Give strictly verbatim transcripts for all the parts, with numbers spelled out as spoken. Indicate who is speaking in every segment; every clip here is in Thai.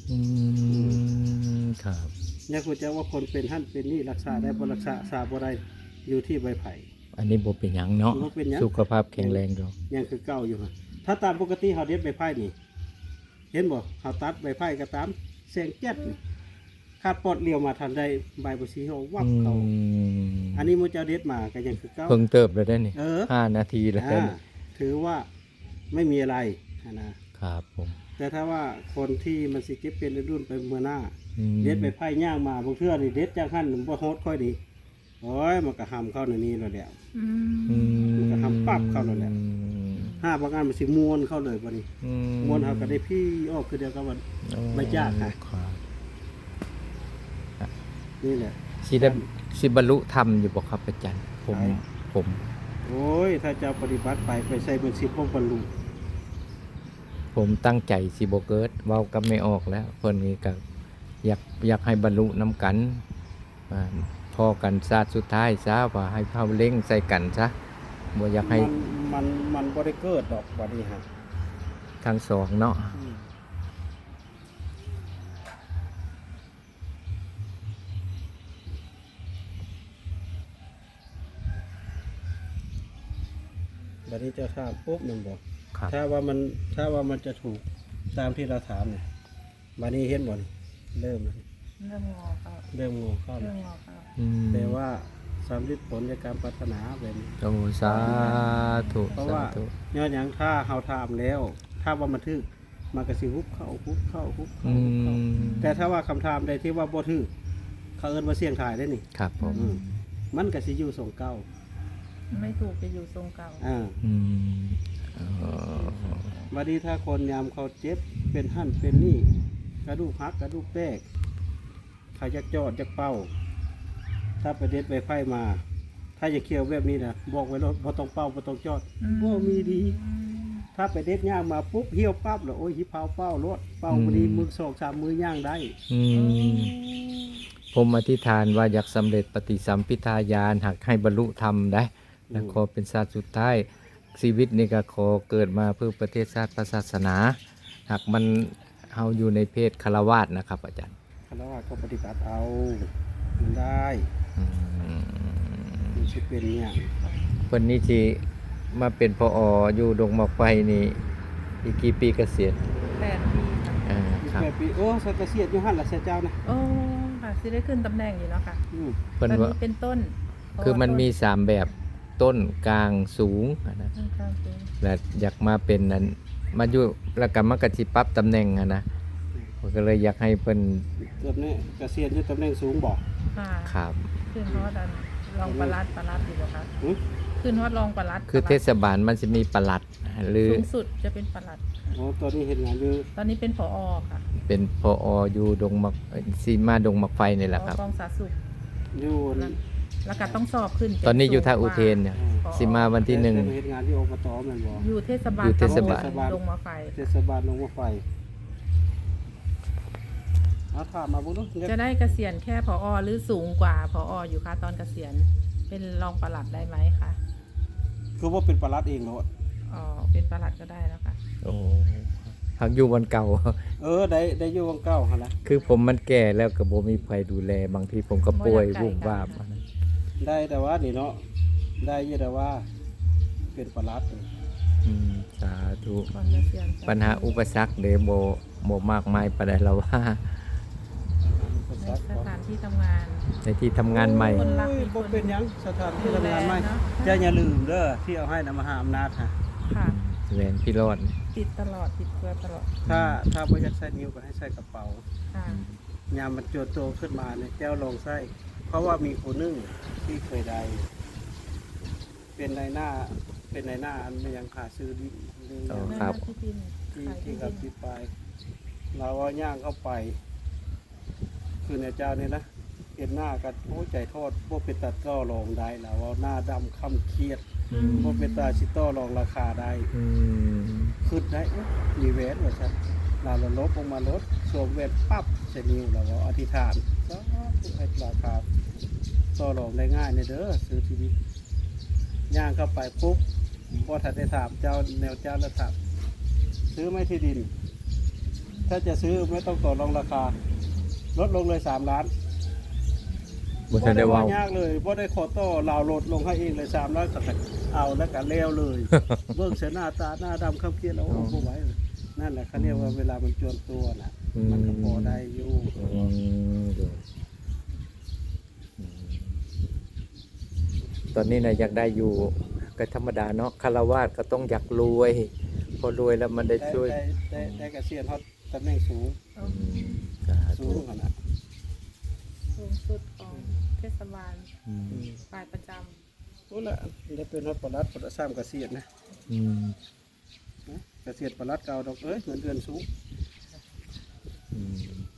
Speaker 1: อืมครับ
Speaker 2: อยากรู้จักว่าคนเป็นหั่นเป็นนี่รักษาได้บ่รักษาษาบ่ได้อยู่ที่ใบไผ่
Speaker 1: อันนี้บ่เป็นหยังเนาะ
Speaker 2: บ่เป็นหยัง
Speaker 1: สุขภาพแข็งแรงอยู่
Speaker 2: ยังคือเก่าอยู่หั่นถ้าตามปกติเฮาเด็ดใบไผ่นี่เห็นบ่เฮาตัดใบไผ่ก็ตามแสงแจ๊ดนี่คาดปอดเลี้ยวมาทันได้ใบบ่สีเฮาวับเข้าอันนี้มื้อเจ้าเด็ดมาก็ยังคือเก่า
Speaker 1: เพิ่งเติบแล้วได้นี่
Speaker 2: เออ
Speaker 1: ห้านาทีแล้วได้
Speaker 2: อ่า
Speaker 1: นี่
Speaker 2: ถือว่าไม่มีอะไรนะครับ
Speaker 1: ผม
Speaker 2: แต่ถ้าว่าคนที่มันสิเก็บเป็นรุ่นไปเมื่อหน้า
Speaker 1: อืม
Speaker 2: เด็ดไปไผ่ย่างมาบางเทื่อนี่เด็ดจากหั่นบ่โฮดค่อยดีโอ้ยมันก็หำเข้าในนี้แล้วแหละ
Speaker 3: อื
Speaker 1: อื
Speaker 3: ม
Speaker 2: มันก็ทำปั๊บเข้าแล้วแหละ
Speaker 1: อืม
Speaker 2: ห้าบางอันมันสิม้วนเข้าเลยบัดนี้
Speaker 1: อื
Speaker 2: ม้วนเฮาก็ได้พี่ออกคือเดียวกับว่า
Speaker 1: โอ้
Speaker 2: ไม่ยากค่ะ
Speaker 1: ครับ
Speaker 2: นี่แหละ
Speaker 1: สิได้สิบรรลุธรรมอยู่บ่ครับอาจารย์ผม
Speaker 2: ใช่
Speaker 1: ผม
Speaker 2: โอ้ยถ้าจะปฏิบัติไปไปใส่เป็นสิบพวกบรรลุ
Speaker 1: ผมตั้งใจสิบ่เกิดเว้ากับไม่ออกแล้วเพิ่นนี่ก็อยากอยากให้บรรลุนํกันอ่าพอกันชาติสุดท้ายซะว่าให้เฮาเล็งใส่กันซะบ่อยากให้
Speaker 2: มันมันมันบ่ได้เกิดดอกบัดนี้ฮะ
Speaker 1: ทั้งสองเนาะ
Speaker 2: อืมบัดนี้เจะถามปุ๊บมันบอก
Speaker 1: ครับ
Speaker 2: ถ้าว่ามันถ้าว่ามันจะถูกตามที่เราถามเนี่ยบัดนี้เห็นบ่นี่เริ่มแล้ว
Speaker 3: เริ่มงอเข้า
Speaker 2: เริ่มงอเข้า
Speaker 3: เริ่
Speaker 2: แล้ว
Speaker 3: มงอเข้า
Speaker 1: อืม
Speaker 2: แต่ว่าสำลิดผลในการพัฒนาแบบนี้
Speaker 1: โอ้สาธุ
Speaker 2: เพราะ
Speaker 1: สา
Speaker 2: ว่า
Speaker 1: ธุ
Speaker 2: ย้อนหยังถ้าเฮาถามแล้ว ถ้าว่ามันถึกมันก็สิฮุบเข้าฮุบเข้าฮุบเข้า
Speaker 1: อื
Speaker 2: ฮุบเข้า
Speaker 1: ม
Speaker 2: แต่ถ้าว่าคำถามใดที่ว่าบ่ถึกเขาเอิ้นว่าเสี่ยงทายได้นี่
Speaker 1: ครับผม
Speaker 2: อืมมันก็สิอยู่ทรงเก่า
Speaker 3: ไม่ถูกจะอยู่ทรงเก่า
Speaker 2: อ่า
Speaker 1: อืมเอ่อ
Speaker 2: บัดนี้ถ้าคนยามเขาเจ็บเป็นหั่นเป็นนี่กระดูกหักกระดูกแตกเขาจะจอดจะเป้า ถ้าไปเด็ดไปไฟมา ถ้าจะเคี่ยวแบบนี้นะบอกไว้แล้วบ่ต้องเป้าบ่ต้องจอดบ่มีดี ถ้าไปเด็ดย่างมาปุ๊บเหี่ยวปั๊บแล้วโอ้ยหิเผาเป้ารถเป้าบ่ดีมือสองสามมือย่างได้
Speaker 1: อืมผมอธิษฐานว่าอยากสำเร็จปฏิสัมพิทาญาณหากให้บรรลุธรรมได้และขอเป็นชาติสุดท้ายชีวิตนี่ก็ขอเกิดมาเพื่อประเทศชาติศาสนา หากมันเฮาอยู่ในเพศคารวาสนะครับ อาจารย์
Speaker 2: คารวะก็ปฏิบัติเอามันได้
Speaker 1: อืม
Speaker 2: มันสิเป็นเนี่ย
Speaker 1: เพิ่นนี่สิมาเป็นพออยู่ดงหมอกไฟนี่อีกกี่ปีเกษียณ
Speaker 3: แปดปีค่ะ
Speaker 1: อ่า
Speaker 2: อีก
Speaker 1: ครับ
Speaker 2: แปดปีโอ้สักเกษียณอยู่หั่นล่ะเสียเจ้านะ
Speaker 3: โอ้ค่ะสิได้ขึ้นตำแหน่งอยู่เนาะค่ะ
Speaker 2: อืม
Speaker 1: เพิ่น
Speaker 3: ตอน
Speaker 1: ว่า
Speaker 3: นี้เป็นต้น
Speaker 1: คือมันมีสามแบบต้นกลางสูงอะนะ
Speaker 3: ต้นกลางสูง
Speaker 1: และอยากมาเป็นนั้นมาอยู่แล้วก็มากระสิปรับตำแหน่งอะนะผมก็เลยอยากให้เพิ่น
Speaker 2: เกือบนี้เกษียณอยู่ตำแหน่งสูงบ่
Speaker 3: ค่ะ
Speaker 1: ครับ
Speaker 3: ขึ้นฮอดอันรองปลัดปลัดอยู่บ่คะ
Speaker 2: หึ
Speaker 3: ขึ้นฮอดรองปลัด
Speaker 1: คือเทศบาลมันจะมีปลัดหรือ
Speaker 3: สูงสุดจะเป็นปลัดค่ะ
Speaker 2: โอ้ตอนนี้เห็นงานอยู่
Speaker 3: ตอนนี้เป็นผอค่ะ
Speaker 1: เป็นพออยู่ดงมักซีมาดงมักไฟนี่แหละครับ
Speaker 3: ผอกองสาธารณสุข
Speaker 2: อยู่
Speaker 3: แล้วก็ต้องสอบขึ้นเป็
Speaker 1: ตอนนี้อยู่ท่า
Speaker 3: สูง
Speaker 1: อุ
Speaker 3: กว่
Speaker 1: เทนเนี่ย
Speaker 3: ผอ
Speaker 1: สิมาวันที่หนึ่ง
Speaker 2: แต่เห็นงานที่อบตแม่นบ่
Speaker 3: อยู่เทศบาล
Speaker 1: อยู่เทศบาล
Speaker 3: ตำลดงมาไฟ
Speaker 2: เทศบาลลงมาไฟเอาถามมาบุญเนาะ
Speaker 3: จะได้เกษียณแค่ผอหรือสูงกว่าผออยู่คะตอนเกษียณเป็นรองปลัดได้ไหมคะ
Speaker 2: คือว่าเป็นปลัดเองเนาะ
Speaker 3: อ๋อเป็นปลัดก็ได้แล้วค่ะ
Speaker 1: โอ้หักอยู่วันเก่า
Speaker 2: เออได้ได้อยู่วังเก้าหั่นล่ะ
Speaker 1: คือผมมันแก่แล้วก็บ่มีใครดูแลบางทีผมก็ป่วยวุบวาบอะนะ
Speaker 2: ได้แต่ว่านี่เนาะได้อยู่แต่ว่าเป็นปลัด
Speaker 1: อืมสาธุ
Speaker 3: ก่อนเกษียณ
Speaker 1: ปัญหาอุปสรรคเด้บ่บ่มากมายปานใดแล้วว่า
Speaker 3: ในสถานที่ทำงาน
Speaker 1: ในที่ทำงานใหม่
Speaker 3: คนรักมี
Speaker 2: มี
Speaker 3: คน
Speaker 2: บ่เป็นหยังสถานที่
Speaker 3: ดู
Speaker 2: ทำ
Speaker 3: แล
Speaker 2: งานใหม่
Speaker 3: เนอะ
Speaker 2: จะอย่าลืมเด้อที่เอาให้นำมหาอำนาจฮะ
Speaker 3: ค่ะ
Speaker 1: แหวนพี่รอด
Speaker 3: ติดตลอดติดตัวตลอด
Speaker 2: ถ้าถ้าบ่อยากใส่นิ้วก็ให้ใส่กระเป๋า
Speaker 3: ค่ะ
Speaker 2: ยามมันโจโตขึ้นมาเนี่ยเจ้าลองใส่เพราะว่ามีผู้หนึงที่เคยได้เป็นในหน้าเป็นในหน้าอันไม่ยังขาซื้อดิหรือ
Speaker 1: อ๋อ
Speaker 2: ยัง
Speaker 1: ครับ
Speaker 3: ที่ดิน
Speaker 2: ที่
Speaker 3: ขาย
Speaker 2: ที่
Speaker 3: ที่
Speaker 2: กับ
Speaker 3: ดิน
Speaker 2: ที่ไปเราว่าย่างเข้าไป คือในเจ้านี่นะเห็นหน้ากันโอ้ใจโทษพวกเป็นตัดก็ลองได้แล้วว่าหน้าดำค่ำเครียด
Speaker 1: อืม
Speaker 2: พวกเป็นตาชิโต้ลองราคาได้
Speaker 1: อืม
Speaker 2: ขึ้นได้เอ๊ะมีแหวนว่าฉันเราเราลบลงมาลดสวมแหวนปั๊บเสนิวเราก็อธิษฐานก็ให้ราคาต่อรองได้ง่ายในเด้อซื้อทีวีย่างเข้าไปปุ๊บพอถัดได้ถามเจ้าแนวเจ้าแล้วถามซื้อไหม่ที่ดินถ้าจะซื้อไม่ต้องต่อรองราคา ลดลงเลยสามล้าน
Speaker 1: บ่ทันได้เว้า
Speaker 2: ยากเลยบ่ได้ขอต่อลาวลดลงให้เองเลยสามล้านก็เอาแล้วก็แล้วเลย เบิ่งเสียหน้าตาหน้าดำคำเครียดแล้วโอ้บ่ไหวเลยนั่นแหละเขาเรียกว่าเวลามันจวนตัวน่ะ มันก็พอได้อยู่
Speaker 1: อืมเดี๋ยวอืมตอนนี้นะอยากได้อยู่ก็ธรรมดาเนาะคารวาสก็ต้องอยากรวย พอรวยแล้วมันได้
Speaker 2: ได้
Speaker 1: ช่วย
Speaker 2: ได้ได้ได้เกษียณเขาตำแหน่งสูง
Speaker 1: อืมสา
Speaker 2: สู
Speaker 1: ธุ
Speaker 2: งขนาด
Speaker 3: สูงสุดของเทศบาล
Speaker 1: อืม
Speaker 3: ฝ่ายประจ
Speaker 2: รู้ละได้เป็นรัฐประหลัดประสามเกษียณนะ
Speaker 1: อืม
Speaker 2: นะเกษียณประหลัดเก่าดอกเอ้ยเงินเดือนสูง
Speaker 1: อืม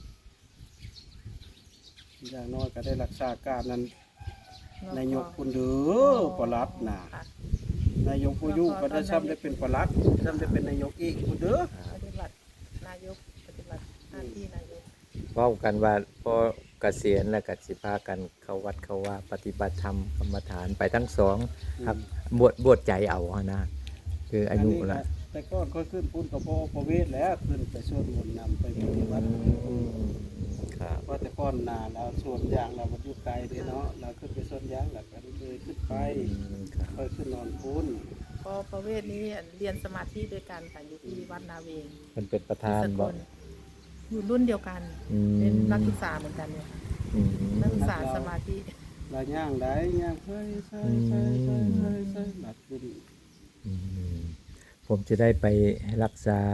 Speaker 2: อย่างน้อยก็ได้รักษาการนั้น
Speaker 3: ำ
Speaker 2: นายกคุณเด้อประหลัดน่ะ
Speaker 3: ค่ะ
Speaker 2: นายกผู้อยู่ก็ได้ซ้ำได้เป็นประหลัดซ้ำได้เป็นนายกอีกคุณเด้อ
Speaker 3: ปฏิบัตินายกปฏิบัติหน้าที่นายก
Speaker 1: เว้ากันว่าพอเกษียณแล้วก็สิพากันเข้าวัดเข้าว่าปฏิบัติธรรมกรรมฐานไปทั้งสองครับบวชบวชใจเอาอะนะคืออายุละ
Speaker 2: แต่ก่อนก็ขึ้นพุ่นกับพ่อประเวศแล้วขึ้นไปสวดมนต์นำไปปฏิบัติ
Speaker 1: ครับ
Speaker 2: เพราะแต่ก่อนหนาเราสวนยางเรามันอยู่ไกลเด้เนาะเราขึ้นไปสวนยางแล้วก็เลยขึ้นไป
Speaker 1: ครับ
Speaker 2: ค่อยขึ้นนอนพุ่น
Speaker 3: พอประเวศนี้เรียนสมาธิด้วยกันค่ะอยู่ที่วัดนาเวง
Speaker 1: มันเป็นประธาน
Speaker 3: สก
Speaker 1: บ่
Speaker 3: ลอยู่รุ่นเดียวกัน
Speaker 1: อืม
Speaker 3: เป็นนักศึกษาเหมือนกันเนี่ยค่ะ
Speaker 1: อืม
Speaker 3: นักศึกษาสมาธิ
Speaker 2: เราย่างได้ย่างเฮ้ยใช่ใช่ใช่ใช่ใช่หลับขึ้น
Speaker 1: อืมผมจะได้ไปรักษา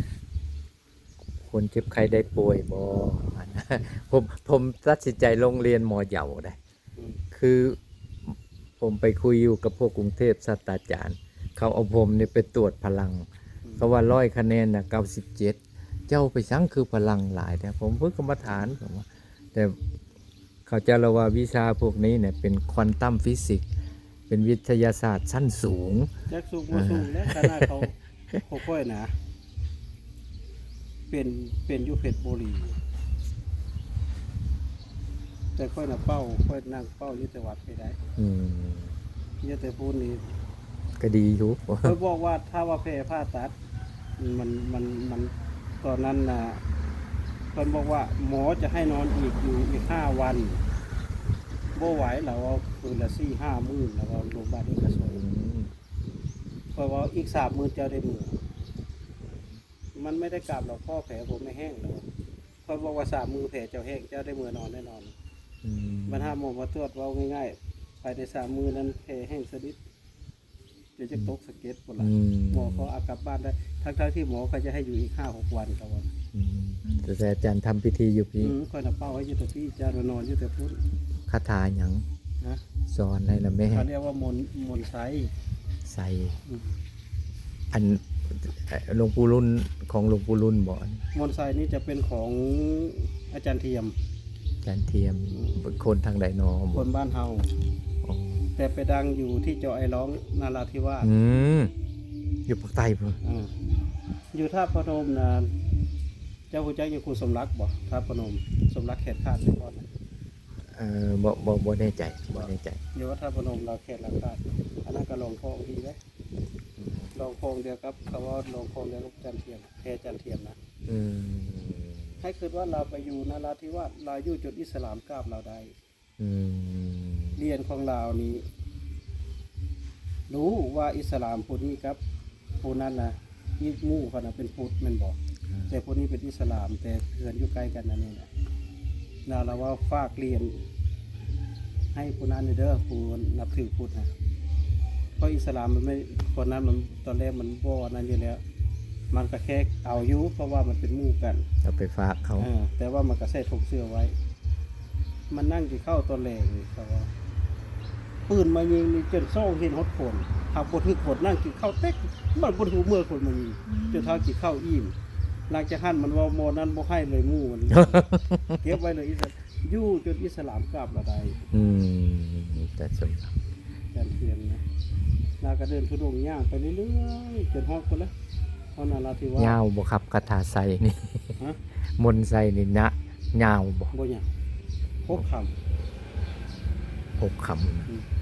Speaker 1: คนเจ็บไข้ได้ป่วยบ่อันนะผมผมตัดสินใจลงเรียนมอเหยาได้
Speaker 2: อืม
Speaker 1: คือผมไปคุยอยู่กับพวกกรุงเทพศาสตราจารย์ เขาเอาผมเนี่ยไปตรวจพลัง เขาว่าร้อยคะแนนนะเก้าสิบเจ็ดเจ้าไปสั่งคือพลังหลายแต่ผมเพิ่งกรรมฐานผมว่าแต่เขาจะระว่าวิชาพวกนี้เนี่ยเป็นควอนตัมฟิสิกส์เป็นวิทยาศาสตร์ชั้นสูง
Speaker 2: แจ็คสูงมาสูงแล้วขนาดเขาเขาค่อยนะ เป็นเป็นอยูเพชรบุรีแต่ค่อยน่ะเป้าค่อยนั่งเป้าอยุติวัดไปได้
Speaker 1: อืม
Speaker 2: อยุติพูดนี่
Speaker 1: ก็ดีอยู่
Speaker 2: เขาบอกว่าถ้าว่าแพ้ผ้าตัด มันมันมันตอนนั้นนะเพิ่นบอกว่าหมอจะให้นอนอีกอยู่อีกห้าวันบ่ไหวเราเอาคืนละสี่ห้ามื้อแล้วเอาโรงพยาบาลเอกชน
Speaker 1: อืม
Speaker 2: เพราะว่าอีกสามมื้อเจ้าได้มื้อมันไม่ได้กลับหรอกพ่อแผลผมไม่แห้งหรอกเพิ่นบอกว่าสามมื้อแผลเจ้าแห้งเจ้าได้มื้อนอนแน่นอน
Speaker 1: อืม
Speaker 2: บรรหาหมอมาตรวจเว่าง่ายๆภายในสามมื้อนั้นแผลแห้งสนิทจะจะตกสะเก็ดพุ่นล่ะ
Speaker 1: อืม
Speaker 2: หมอเขาเอากลับบ้านได้ทั้งๆที่หมอเขาจะให้อยู่อีกห้าหกวันครับว่า
Speaker 1: อืมแต่อาจารย์ทำพิธีอยู่พี่
Speaker 2: อืมคอยนับเป้าไว้อยุติพี่จานนอนอยุติพุทธ
Speaker 1: คาถาหยัง
Speaker 2: นะ
Speaker 1: สอนให้ละแม่
Speaker 2: เขาเรียกว่ามนต์มนต์ไซ
Speaker 1: ใส่
Speaker 2: อืม
Speaker 1: อันเอ่อหลวงปู่รุ่นของหลวงปู่รุ่นบ่อน
Speaker 2: มนต์ไซนี่จะเป็นของอาจารย์เทียม
Speaker 1: อาจารย์เทียมคนทางใดนอ
Speaker 2: ค
Speaker 1: บ่
Speaker 2: นบ้านเฮา
Speaker 1: อ๋อ
Speaker 2: แต่ไปดังอยู่ที่เจาะไอร้องนาราธิวาส
Speaker 1: อืมอยู่ภาคใต้พุ่น
Speaker 2: อ่าอยู่ท่าพนมนะเจ้าคุณจักอยู่ครูสมรักบ่ท่าพนมสมรักเขตคาดไปก่อนนะ
Speaker 1: เอ่อบ่บ่บ่แน่ใจบ่แน่ใจ
Speaker 2: อยู่ว่าท่าพนมเราเขตหลักคาดอันนั้นก็ลงโพงทีเลยลงโพงเดียวกับเขาว่าลงโพงเดียวกับอาจารย์เทียมแพรอาจารย์เทียมนะ
Speaker 1: อืม
Speaker 2: ให้คิดว่าเราไปอยู่นาราธิวาสเราอยู่จุดอิสลามกราบเราได้
Speaker 1: อืม
Speaker 2: เรียนของเรานี้ รู้ว่าอิสลามพุทธนี้ครับผู้นั้นนะอีกหมู่เขานะเป็นพุทธแมันบอก แต่ผู้นี้เป็นอิสลาม แต่เพื่อนอยู่ใกล้กันนั่นเองนะเราเราว่าฝากเรียน ให้ผู้นั้นเด้อผู้นับถือพุทธนะเพราะอิสลามมันไม่คนนั้นมันตอนแรกมันบ่นั้นอยู่แล้ว มันก็แค่เอาอยู่เพราะว่ามันเป็นหมู่กัน
Speaker 1: เอาไปฝากเขา
Speaker 2: อ่าแต่ว่ามันก็ใส่ถุงเสื้อไว้ มันนั่งกินข้าวตอนแรกนี่เขาว่าปืนมายิงนี่จนโซ่เห็นฮดคนหากบทึกคนนั่งกินข้าวเต็กมันบนหูเมื่อคนมายิงจนเท้ากินข้าวอิ่มหลังจากหันมันว่าโมนั้นบ่ให้เลยหมู่มัน เก็บไว้เลยอิสลามอยู่จนอิสลามกลับละได้
Speaker 1: อืมแต่สม
Speaker 2: การเทียนนะนาก็เดินทุดงย่างไปเรื่อยๆจนฮอดคนละฮอดนาราธิวาส
Speaker 1: ยาวบ่ครับคาถาใส่นี่
Speaker 2: ฮะ
Speaker 1: มนต์ใส่นี่นะยาวบ่
Speaker 2: บ่หยังพกค
Speaker 1: หกคำ
Speaker 2: อืม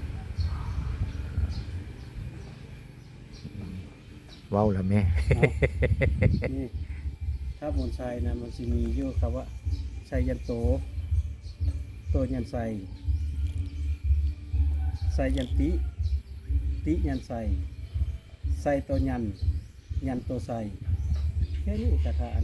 Speaker 1: เว้าละแม่
Speaker 2: ำเอานี่ถ้ามนต์ไซนะมันสิมีอยู่คำว่าไซยันโตโตยันไซไซยันติติยันไซไซโตยันยันโตไซแค่นี้คาถานะ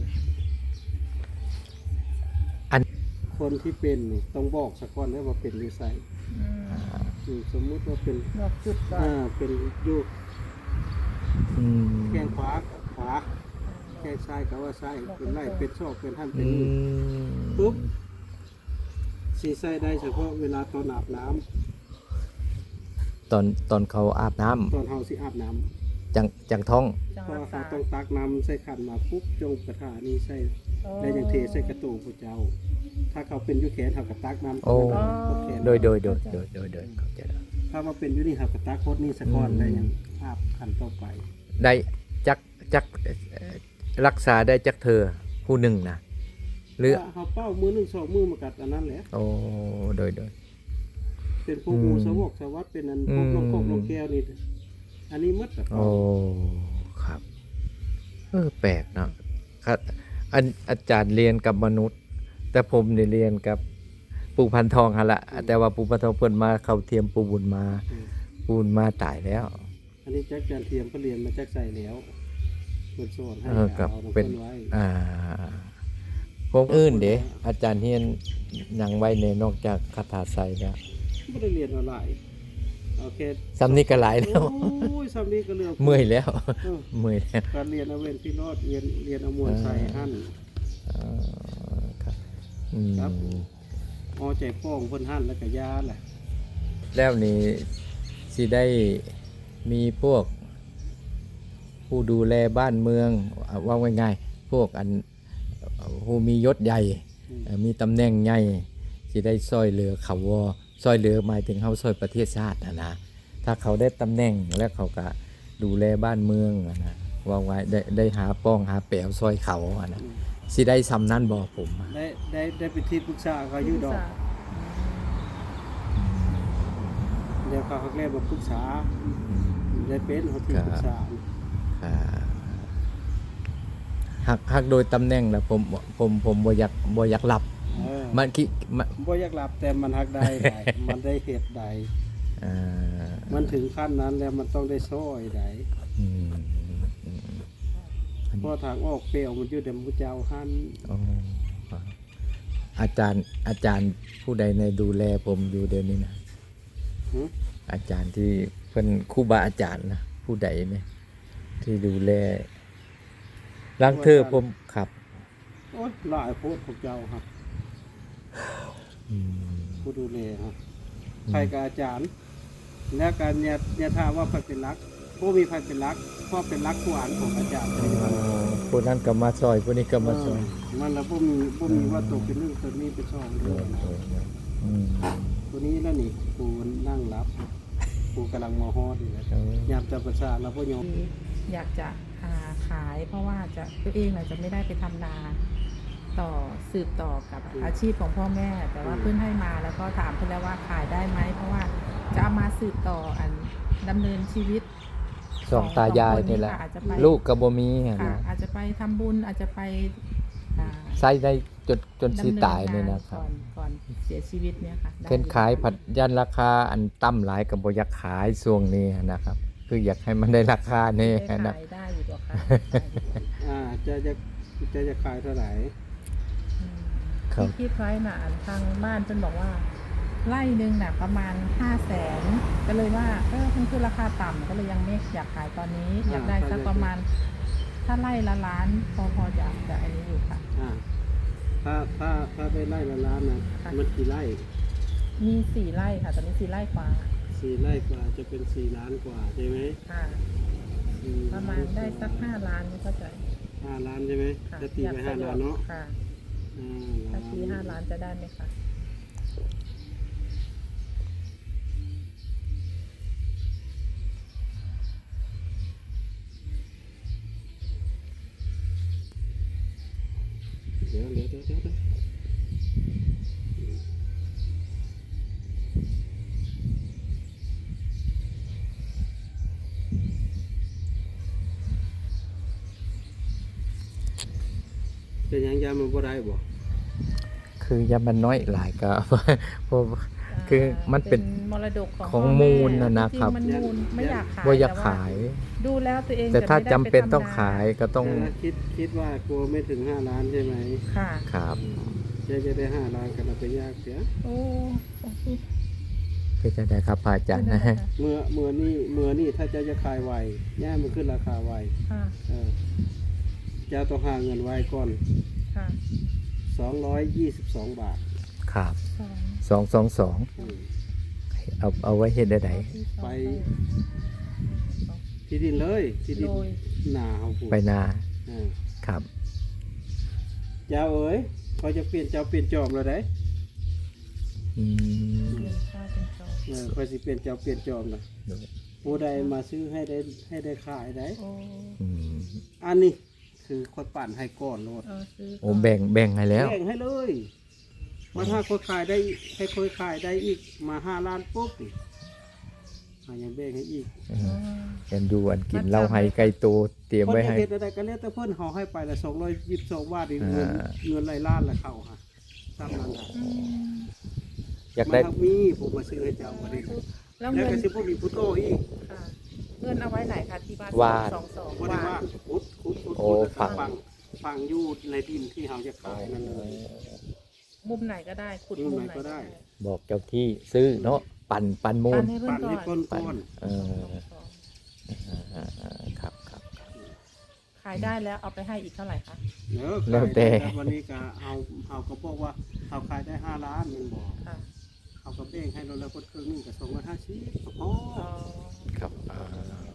Speaker 1: อัน
Speaker 2: คนที่เป็นนี่ต้องบอกสักก่อนได้ว่าเป็นอยู่ไซ
Speaker 3: อืม
Speaker 2: อืมสมมุติว่าเป็น
Speaker 3: บอกจุดก่อน
Speaker 2: อ่าเป็นอยู่
Speaker 1: อืม
Speaker 2: แข้งขวากับขวาแข้งซ้ายกับว่าซ้ายเป็นไล่เป็นชอกเป็นท่านเป็
Speaker 1: อื
Speaker 2: นนี่
Speaker 1: ม
Speaker 2: ปุ๊บสีใส่ได้เฉพาะเวลาตอนอาบน้ำ
Speaker 1: ตอนตอนเขาอาบน้ำ
Speaker 2: ตอนเฮาสิอาบน้ำ
Speaker 1: จังจังท้อง
Speaker 3: จัง
Speaker 2: เพราะ
Speaker 3: รั
Speaker 2: ว่าก เขา
Speaker 3: ษา
Speaker 2: ต้องตักน้ำใส่ขันมาปุ๊บจงกระถานี้ใส่ได้อย่างเทใส่กระตูพระเจ้า ถ้าเขาเป็นอยุแขนเขากระตักน้ำ
Speaker 1: โอ้
Speaker 2: ตรงนั้นเอาแขน
Speaker 1: โดยโดยโดยโดยโดยโดยเข้าใจแล้ว
Speaker 2: ถ้ามาเป็นอยุนี่เขากระตักโคตรนี่สะก้อน
Speaker 1: อืม
Speaker 2: ได้อย่างอาบขันต่อไป
Speaker 1: ได้จักจักเอ่อรักษาได้จักเธอผู้หนึ่งนะหรือ
Speaker 2: ถ้าเขาเป้ามือหนึ่งสองมือมากัดอันนั้นแหละ
Speaker 1: โอ้โดยโดย
Speaker 2: เป็นพวกงูสวกสวัสดเป็นอันพวก
Speaker 1: อืม
Speaker 2: นกพวกนกแก้วนี่อันนี้มัดกับ
Speaker 1: โอ้ครับเออแปลกเนาะครับอันอาจารย์เรียนกับมนุษย์ แต่ผมได้เรียนกับปู่พันทองฮะละแต่ว่าปู่พันทองเพิ่นมาเข้าเทียมปู่บุญมาปู่บุญมาตายแล้ว
Speaker 2: อันนี้แจ็คจานเทียมเขาเรียนมาแจ็คใส่แล้วเปิดสอนให้
Speaker 1: เออกับ
Speaker 2: เอาน้ำ
Speaker 1: เป็น
Speaker 2: ไว้
Speaker 1: อ่าพวกอื่นเด้อาจารย์เฮียนหยังไว้ในนอกจากคาถาไซแล้ว
Speaker 2: ไม่ได้เรียนออนไลน์โอเค
Speaker 1: สำนี้ก็หลายแล้ว
Speaker 2: โอ้ยสำนี้ก็เรื่อง
Speaker 1: เมื่อยแล้ว
Speaker 2: เออ
Speaker 1: เมื่อยแล้ว
Speaker 2: การเรียนเอาเวนพี่รอดเรียนเรียนเอามวลใส่หั่น
Speaker 1: อ่าครับอืม
Speaker 2: ครับ เอาใจป้องเพิ่นหั่นแล้วก็ยาแหละ
Speaker 1: แล้วนี่สิได้มีพวก ผู้ดูแลบ้านเมืองเอาว่าง่ายๆพวกอันผู้มียศใหญ่
Speaker 2: อืม
Speaker 1: เอ่อมีตำแหน่งใหญ่สิได้ซอยเหลือเขาวอซอยเหลือหมายถึงเขาซอยประเทศชาตินะนะถ้าเขาได้ตำแหน่งแล้วเขาก็ดูแลบ้านเมืองอะนะว่าไว้ได้ได้หาป้องหาแปวซอยเขาอะนะ
Speaker 2: อืม
Speaker 1: สิได้ซ้ำนั้นบอกผมอะ
Speaker 2: ได้ได้ได้ไปที่ปรึกษาเขาอยู่ดอกเดี๋ยวเขาเขาแรกมาปรึกษาได้เป็นเขาที่ปรึกษา
Speaker 1: อ่าหักหักโดยตำแหน่งแล้วผมผมผมบ่อยากบ่อยากหลับ
Speaker 2: เออ
Speaker 1: มันคิมัน
Speaker 2: บ่อยากหลับแต่มันหักได้ได้ มันได้เหตุใด
Speaker 1: อ่า
Speaker 2: มันถึงขั้นนั้นแล้วมันต้องได้ซ้อยใด
Speaker 1: อืมอืม
Speaker 2: เพราะทางออกเปลวมันอยู่เดมพุเจ้าหัน
Speaker 1: อ๋ออาจารย์อาจารย์ผู้ใดในดูแลผมอยู่เดี๋ยวนี้นะ
Speaker 2: หึ
Speaker 1: อาจารย์ที่เป็นครูบาอาจารย์นะผู้ใดเนี่ยที่ดูแลลังเธอผมครับ
Speaker 2: โอ้ยหลายโพดพวกเจ้าครับ
Speaker 1: อืม
Speaker 2: ผู้ดูแลครับใครกับอาจารย์ และการเนี่ยเนี่ยถามว่าใครเป็นรักผู้มีใครเป็นรักเพราะเป็นรักผู้อ่านของอาจารย์
Speaker 1: อ๋อผู้นั้นก็มาซอยผู้นี้ก็มาซอย
Speaker 2: มันแล้วผู้มีผู้มีว่าตกเป็นหนึ่งตัวนี้เป็นสอง
Speaker 1: โด
Speaker 2: ด้วย
Speaker 1: ย
Speaker 2: นะ
Speaker 1: โดยโดยอืม
Speaker 2: ตัวนี้แล้วนี่ปูนั่งรับปูกำลังมอฮอดอยู่นะ
Speaker 1: เอา
Speaker 2: ยามจับประสาทแล้วพ่อยอม
Speaker 3: อยากจะหาขาย เพราะว่าจะตัวเองน่ะจะไม่ได้ไปทำนาต่อสืบต่อกับอาชีพของพ่อแม่ แต่ว่าเพื่อนให้มาแล้วก็ถามเพื่อนแล้วว่าขายได้ไหมเพราะว่าจะเอามาสืบต่ออันดำเนินชีวิต
Speaker 1: สองตายายนี่แหละ
Speaker 3: ค่ะอาจจะไป
Speaker 1: ลูกกับบ่มีอะ
Speaker 3: ค่ะ
Speaker 1: นะ
Speaker 3: อาจจะไปทำบุญอาจจะไปอ่า
Speaker 1: ใส่ได้จนจนสิ
Speaker 3: ดำเนิน
Speaker 1: ตายเนี่ย
Speaker 3: ง
Speaker 1: นะครั
Speaker 3: ก่
Speaker 1: บ
Speaker 3: อนก่อนเสียชีวิตเนี่ยค่ะได้
Speaker 1: เพิ่นขายผัดยันราคาอันต่ำหลายกับบ่อยากขายช่วงนี้นะครับ คืออยากให้มันได้ราคานี่
Speaker 3: ได้
Speaker 1: นะ
Speaker 3: ขายได้อยู่ตัวค่ะ
Speaker 2: อ่าจะจะจะจะขายเท่าไหร่
Speaker 1: ครับ
Speaker 3: ที่คิดไว้น่ะทางบ้านเพิ่นบอกว่า ไร่หนึ่งน่ะประมาณห้าแสนก็เลยว่าเออมันคือราคาต่ำก็เลยยังไม่อยากขายตอนนี้ อยากได้สักประมาณ ถ้าไร่ละล้านพอพอจะจะอันนี้อยู่ค่ะ
Speaker 2: อ่าถ้าถ้าถ้าได้ไร่ละล้านนะ
Speaker 3: ค่ะ
Speaker 2: มันกี่ไร่
Speaker 3: มีสี่ไร่ค่ะ ตอนนี้สี่ไร่กว่า
Speaker 2: สี่ไร่กว่าจะเป็นสี่ล้านกว่าใช่ไหม
Speaker 3: ค่ะ
Speaker 2: อื
Speaker 3: ประมาณได้สักห้าล้านไม่เข้าใจ
Speaker 2: ห้าล้านใช่ไหม
Speaker 3: ค่ะ
Speaker 2: จะตีไปห้าล้านเนาะ
Speaker 3: ค่ะ
Speaker 2: อ่า
Speaker 3: ถ้าตีห้าล้านจะได้ไหมคะ
Speaker 2: เดี๋ยวเดี๋ยวเดี๋ยวเดี๋ยวเดี๋ยวเป็นหยังยามันบ่ได้บ่
Speaker 1: คือยามันน้อยหลายก็ เพราะ คือมันเป็น
Speaker 3: มรดกของ
Speaker 1: ของ
Speaker 3: พ่
Speaker 1: มูล
Speaker 3: แ
Speaker 1: น่ะนะครับ
Speaker 3: จงๆมันมูลไม่อยากขาย
Speaker 1: ว่าอยาก
Speaker 3: แต่ว่
Speaker 1: ขาย
Speaker 3: ดูแล้วตัวเอง
Speaker 1: แต่ถ้า
Speaker 3: ไม่ได้
Speaker 1: จำเป็น
Speaker 3: ไทำ
Speaker 1: ต้องขายก็ต้อง
Speaker 2: แต่คิดคิดว่ากลัวไม่ถึงห้าล้านใช่ไหม
Speaker 3: ค่ะ
Speaker 1: ครับ
Speaker 2: จะจะได้ห้าล้านกันเอาไปยากเสีย
Speaker 3: โอ้
Speaker 1: ก็จะได้ครับพระอาจารย์นะ
Speaker 2: เมื่อเมื่อนี่เมื่อนี่ถ้าเจะจะขายไวย่ามันขึ้นราคาไว
Speaker 3: ค่ะ
Speaker 2: เออเจะต้องหาเงินไว้ก่อน
Speaker 3: ค่ะ
Speaker 2: สองร้อยยี่สิบสองบาท
Speaker 1: ครับ
Speaker 3: สอง
Speaker 1: สองสองสอง
Speaker 2: อืม
Speaker 1: เอาเอาไว้เฮ็ดได้ได
Speaker 3: ที่สอง
Speaker 2: ไป ที่ดินเลยที่ดิน
Speaker 3: โรย
Speaker 2: หนาเขาปลูก
Speaker 1: ไปนา
Speaker 2: เออ
Speaker 1: ครับ
Speaker 2: เจ้าเอ๋ยเขาจะเปลี่ยนเจ้าเปลี่ยนจอมเลยได้
Speaker 1: อืม
Speaker 3: เปลี่ยนข้าวเป็นจอง
Speaker 2: เออคอยสิเปลี่ยนเจ้าเปลี่ยนจอมนะผู้ใดมาซื้อให้ได้ให้ได้ขายได้
Speaker 3: โอ้
Speaker 1: อืม
Speaker 2: อันนี้คือคนปั่นให้ก่อนโลด
Speaker 3: เออซื้อ
Speaker 1: โอ้แบ่งแบ่งให้แล้ว
Speaker 2: แบ่งให้เลยมาถ้าคนขายได้ให้คนขายได้อีกมาห้าล้านปุ๊บนี่อ่ะยังแบ่งให้อีก
Speaker 1: เอ
Speaker 3: อ๋อ
Speaker 1: อกันดูอันกินเหล้าไห้ไก่โตเตรียม
Speaker 2: คน
Speaker 1: ไว้
Speaker 2: จะ
Speaker 1: ให้
Speaker 2: เฮ็ดอะไรก็แล้วแต่เพิ่นเฮาให้ไปละสองร้อยยี่สิบสองบาทนี่เงิน
Speaker 1: อ่า
Speaker 2: เงินหลายล้านละเข้าฮะตามนั้นฮะ
Speaker 3: อืม
Speaker 1: อยาก
Speaker 2: มัน
Speaker 1: ได้
Speaker 2: ทักมีผมมาซื้อให้เจ้าบ่ได้
Speaker 3: แล้ว
Speaker 2: แล้ว
Speaker 3: เงิน
Speaker 2: ก็สิบ่มีผู้โตอีก
Speaker 3: ค่ะเงินเอาไว้ไหนคะที่บ้าน
Speaker 1: วาด
Speaker 3: สองสอง
Speaker 2: บ่ได้
Speaker 3: วา
Speaker 2: ว่า
Speaker 3: ด
Speaker 2: ขุดขุดขุด
Speaker 1: โอ้
Speaker 2: ขุดแล้วก็
Speaker 1: ฝัง
Speaker 2: ฝังฝังอยู่ในดินที่เฮาจะขายนั่นเลย
Speaker 3: มุมไหนก็ได้ขุด
Speaker 2: มุ
Speaker 3: มุ
Speaker 2: ม
Speaker 3: ม
Speaker 2: ไหน
Speaker 3: ไหน
Speaker 2: ก็
Speaker 3: ก็
Speaker 2: ได้
Speaker 3: ได้
Speaker 1: บอกเจ้าที่ซื้อเนาะปั่นปั่นมู
Speaker 3: ปั
Speaker 1: ล
Speaker 3: นให้เพื่อ
Speaker 2: ปั่
Speaker 3: น
Speaker 2: น
Speaker 3: ก่
Speaker 2: ให้
Speaker 3: อน
Speaker 2: ก้น
Speaker 1: ปั่น
Speaker 2: ก้อน
Speaker 1: เออ
Speaker 3: สอง
Speaker 1: อ่าๆครับครับ
Speaker 3: ขายได้แล้วเอาไปให้อีกเท่าไหร่คะ
Speaker 2: เด้อ
Speaker 1: แล้วแต่
Speaker 2: ขายได้วันนี้ก็เฮาเฮาก็บอกว่าเฮาขายได้ห้าล้านแมันบอก
Speaker 3: ค่ะ
Speaker 2: เฮาก็แบ่งให้เราแล้วคนครึ่งหนึงก็สองร้อยห้าสิบก็พอ
Speaker 3: อ๋อ
Speaker 1: ครับอ่า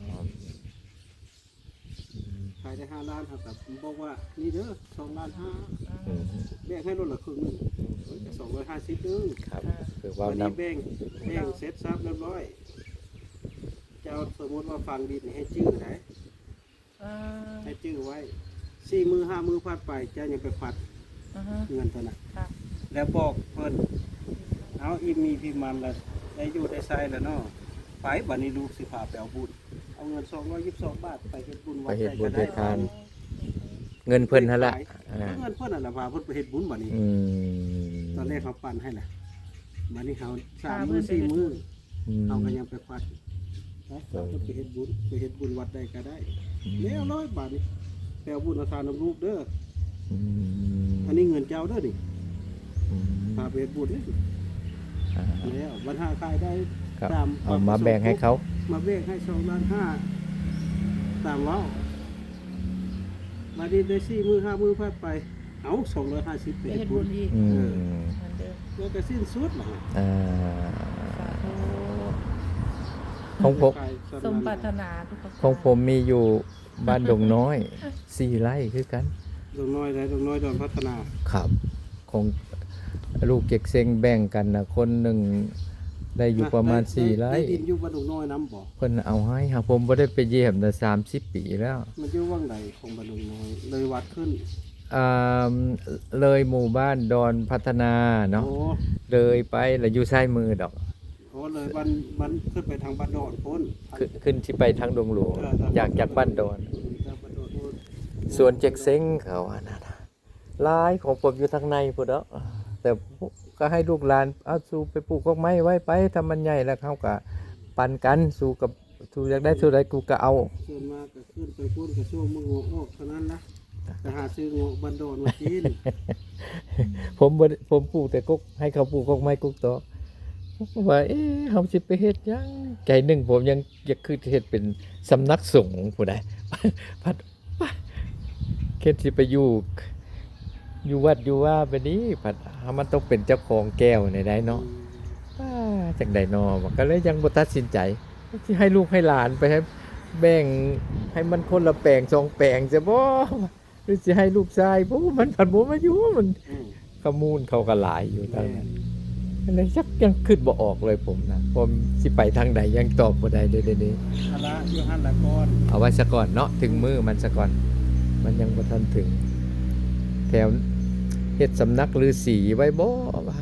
Speaker 2: ขายได้ห้าล้านครับแบบบอกว่านี่เด้อสองล้านห้า
Speaker 1: อืม
Speaker 2: แบ่งให้รถละครึ่งหนึงสองร้อยห้าสิบนึง
Speaker 1: ครับคือว่า
Speaker 2: วัน
Speaker 1: น้
Speaker 2: นี้แบ่งแบ่งเสร็จซับเรียบร้อย เจ้าสมมติว่าฟังดินให้จื้อไหน
Speaker 3: อ่า
Speaker 2: ให้จื้อไว้สี่มือห้ามือพัดไปเจ้ายังไปพัด
Speaker 3: อ่าฮะ
Speaker 2: เงินตัวน่ะ
Speaker 3: ค่ะ
Speaker 2: แล้วบอกเพิ่นเอาอีมีพี่มันละได้อยู่ได้ใส่แล้วเนาะไปบัดนี้ลูกสิพาไปเอาบุญเอาเงินสองร้อยยี่สิบสองบาทไปเฮ็ดบุญ
Speaker 1: ำ
Speaker 2: วั
Speaker 1: ไป
Speaker 2: ด
Speaker 1: เฮ็ดบุญ
Speaker 2: ใด
Speaker 1: เฮ็ด
Speaker 2: ก็
Speaker 1: ทาน
Speaker 2: ได้
Speaker 1: เงินเพิ่นหั่นละอ่า
Speaker 2: เอาเงินเพิ่นน่ะล่ะพาเพิ่นไปเฮ็ดบุญบัดนี้
Speaker 1: อืม
Speaker 2: ตอนแรกเขาปั่นให้แหละบัดนี้เขาสามมือสี่มือ
Speaker 1: อืม
Speaker 2: เอากันยังไปควัดไปเอาไปเฮ็ดบุญไปเฮ็ดบุญวัดใดก็ได้แล้วร้อยบาทนี่แปลบุญเอาทานน้ำลูกเด้อ
Speaker 1: อืม
Speaker 2: อันนี้เงินเจ้าเด้อนี่
Speaker 1: อืม
Speaker 2: พาไปเฮ็ดบุญนี่
Speaker 1: อ่า
Speaker 2: แล้ววันห้าขายได้
Speaker 1: ครับ
Speaker 2: ตาม
Speaker 1: เอามาแบ่งให้เขา
Speaker 2: มาแบ่งให้สองล้านห้าตามเว้ามาดีได้สี่มือห้ามือพัดไป เอาสองร้อยห้าสิบไป
Speaker 3: ไป
Speaker 2: เฮ็
Speaker 3: เฮ็
Speaker 2: ด
Speaker 3: ด
Speaker 2: บุ
Speaker 3: บุ
Speaker 2: ญ
Speaker 3: ญอีก
Speaker 1: อืม
Speaker 3: เหมือนเดิม
Speaker 2: แล้วก็สิ้นสุดล่ะ
Speaker 1: อ่า
Speaker 3: สาธุ
Speaker 1: ของผม
Speaker 3: สมปรารถนาทุกประการ
Speaker 1: ของผมมีอยู่บ้านดงน้อยสี่ไร่คือกัน
Speaker 2: ดงน้อยได้ดงน้อยดอนพัฒนา
Speaker 1: ครับของลูกเก็กเซ็งแบ่งกันนะคนหนึ่งได้อยู่ประมาณ
Speaker 2: ด้
Speaker 1: สี่ไร่
Speaker 2: ได้ดินอยู่บ้านดงน้อยน้ำบ่
Speaker 1: เพิ่นเอาให้ครับผมบ่ได้ไปเยี่ยมแต่สามสิบปีแล้ว
Speaker 2: มันอยู่ว่างใดของบ้านดงน้อย เลยวัดขึ้น
Speaker 1: อ่าเลยหมู่บ้านดอนพัฒนาเนาะ
Speaker 2: โอ้
Speaker 1: เลยไปแล้วอยู่ซ้ายมือดอก
Speaker 2: โหเลยบ้านบ้านขึ้นไปทางบ้านดอนพ้น
Speaker 1: ขึ้นขึ้นที่ไปทางดงหลวง
Speaker 2: เออทง
Speaker 1: จากจากบ้านดอน
Speaker 2: ทางบ้านดอนพ้น
Speaker 1: ส่วนเจ็กเซ็งเขาอันนั้นน่ะหลายของผมอยู่ทางในพุ่นเนาะแต่ก็ให้ลูกหลานเอาสู่ไปปลูกกอกไม้ไว้ไปถ้ามันใหญ่แล้วเขาก็ปันกันสู่กับสู่อยากได้เท่าใดกูก็เอา
Speaker 2: ส่วนมากก็ขึ้นไปพ้นกระช่วงมือหัวออกเท่านั้นละจะหาซื้อหัวบ้านดอนมากิน
Speaker 1: ผมบ่ได้ผมปลูกแต่กกให้เขาปลูกกอกไม้กกตอกผมก็ว่าเอ๊ะเฮาสิไปเฮ็ดหยังใจหนึงผมยังอยากคือเฮ็ดเป็นสำนักสงฆ์ผู้ใด พัดเฮ็ดสิไปอยู่อยู่วัดอยู่ว่าไปนี้พัดเฮามันต้องเป็นเจ้าของแก้วในใดเนาะว้าจังได๋เนาะก็เลยยังบ่ตัดสินใจสิให้ลูกให้หลานไปให้แบ่งให้มันคนละแปลงสองแปลงซะบ่หรือสิให้ลูกชายบ่มันพัดบ่มาอยู่มัน
Speaker 2: อืม
Speaker 1: ขมูลเขาก็หลายอยู่ทาง
Speaker 2: แม่
Speaker 1: นั้นเลยชักยังคิดบ่ออกเลยผมนะผมสิไปทางใดยังตอบบ่ได้เด้อๆ
Speaker 2: คณะอยู่หันละก่อน
Speaker 1: ๆเอาไว้ซะก่อนเนาะถึงมือมันซะก่อน มันยังบ่ทันถึง แถวเฮ็ดสำนักฤาษีไว้บ่ว่า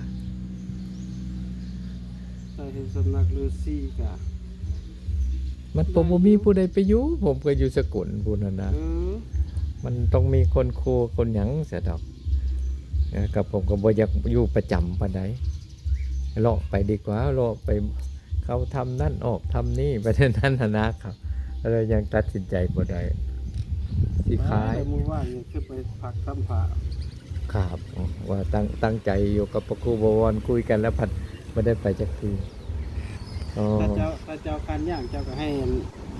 Speaker 2: แต่เห็นสำนักฤาษีกะ
Speaker 1: มันผมบ่มีผู้ใดไปอยู่ผมก็อยู่สกลพุ่นน่ะนะ
Speaker 2: เออ
Speaker 1: มันต้องมีคนครูคนหยังเสียดอกนะกับผมก็บ่อยากอยู่ประจำปานใดเลาะไปดีกว่าเลาะไปเขาทำนั่นออกทำนี่ไปเท่านั้นน่ะนะครับเลยยังตัดสินใจบ่ได้สิขาย
Speaker 2: ไปมือว่างยังขึ้นไปพักซ้ำผ่า
Speaker 1: ครับว่าตั้งตั้งใจอยู่กับพระครูบวรคุยกันแล้วพัดไม่ได้ไปจักทีอ๋อ
Speaker 2: ถ้าเจ้าถ้าเจ้าคันย่างเจ้าก็ให้